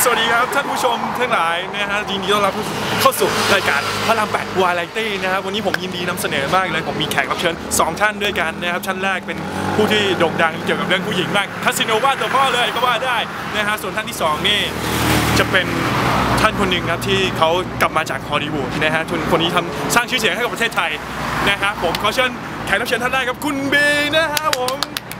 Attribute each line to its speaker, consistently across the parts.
Speaker 1: สวัสดีครับท่านผู้ชมทั้งหลายนะฮะยินดีต้อนรับเข้าสู่รายการพระราม8 วาไรตี้นะครับวันนี้ผมยินดีนำเสนอมากเลยผมมีแขกรับเชิญ2ท่านด้วยกันนะครับท่านแรกเป็นผู้ที่โด่งดังเกี่ยวกับเรื่องผู้หญิงมากคาสิโนว่าตัวพ่อเลยก็ว่าได้นะฮะส่วนท่านที่2นี่จะเป็นท่านคนหนึ่งครับที่เขากลับมาจากฮอลลีวูดนะฮะคนนี้ทำสร้างชื่อเสียงให้กับประเทศไทยนะฮะผมขอเชิญแขกรับเชิญท่านแรกครับคุณบีนะฮะผม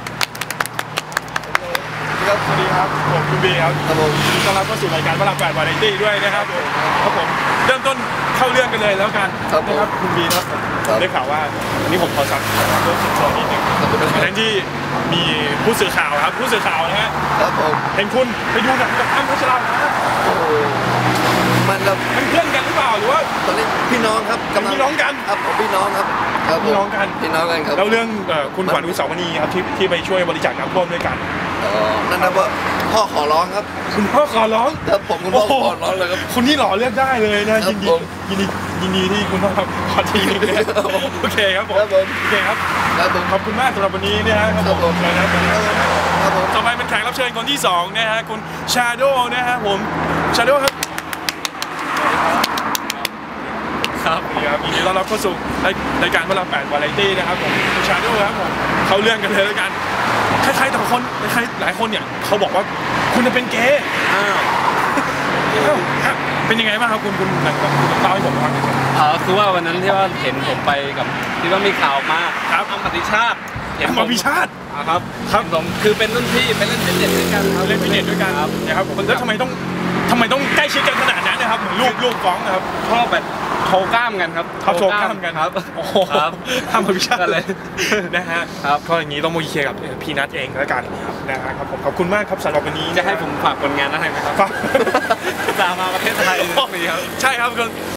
Speaker 1: สวัสดีครับผมคุณบีครับผมต้อนรับเข้าสู่รายการพระราม8 วาไรตี้ด้วยนะครับผมเริ่มต้นเข้าเรื่องกันเลยแล้วกันนะครับคุณบีครับได้ข่าวว่าวันนี้ผมขอสักเรื่องส่วนนิดนึงในที่มีผู้สื่อข่าวครับผู้สื่อข่าวนะฮะเห็นคุณไปดูหนังกับอ้ำพัชราภา
Speaker 2: มันแบบ
Speaker 1: เป็นเพื่อนกันหรือเปล่าหรือว่า
Speaker 2: ตอนนี้พี่น้องครับ
Speaker 1: พี่น้องกัน
Speaker 2: ครับผมพี่น้องครับ
Speaker 1: พี่น้องกัน
Speaker 2: ครับ
Speaker 1: แล้วเรื่องคุณขวัญอุสาวณีครับที่ไปช่วยบริจาคน้ำท่วมด้วยกัน
Speaker 2: นั่นนะว่าพ่อขอร้องครับ
Speaker 1: คุณพ่อขอร้อง
Speaker 2: ครับผมคุณพ่อขอร้องเลยครับ
Speaker 1: คุณนี่หล่อเลือกได้เลยนะยินดีที่คุณพ่อขอทีนึงนะโอเคครับผมโอเคครับขอบคุณมากสำหรับวันนี้นะครับผมเลยนะต่อไปเป็นแขกรับเชิญคนที่2นะฮะคุณชาโดนะฮะผมชาโดครับครับยินดีต้อนรับเข้าสู่รายการพระราม8 วาไรตี้นะครับผมชาโดครับผมเขาเรื่องกันเลยแล้วกันคล้ายๆแต่คนคล้ายหลายคนเนี่ยเขาบอกว่าคุณจะเป็นเกย์เป็นยังไงบ้างครับคุณเล่าให้ผมฟังหน่อย
Speaker 3: คือว่าวันนั้นที่ว่าเห็นผมไปกับที่ว่ามีข่าวออกมา
Speaker 1: ครับ
Speaker 3: อัมปติชาติ
Speaker 1: อัมปติชาติ
Speaker 3: ครับผมคือเป็นรุ่นพี่ไปเล่นฟิตเนสด้วยกัน
Speaker 1: เล่นฟิตเนสด้วยกันนะครับผมแล้วทำไมต้องใกล้ชิดกันขนาดนั้นนะครับเหมือนลูกฟ้องนะครับ
Speaker 3: ชอบแบบโชว์กล้ามกันครับ
Speaker 1: โชว์กล้ามกัน
Speaker 3: ครับ
Speaker 1: โอ้โหอัมปติชาติเลยนะฮะก็อย่างนี้ต้องมาเคลียร์กับพี่นัทเองแล้วกันนะครับผมขอบคุณมากครับสำหรับวันนี้
Speaker 3: จะให้ผมฝากผลงานอะไรไหมครับ
Speaker 1: ฝาก
Speaker 3: จะมาประเทศไทยครับ
Speaker 1: ใช่ครับ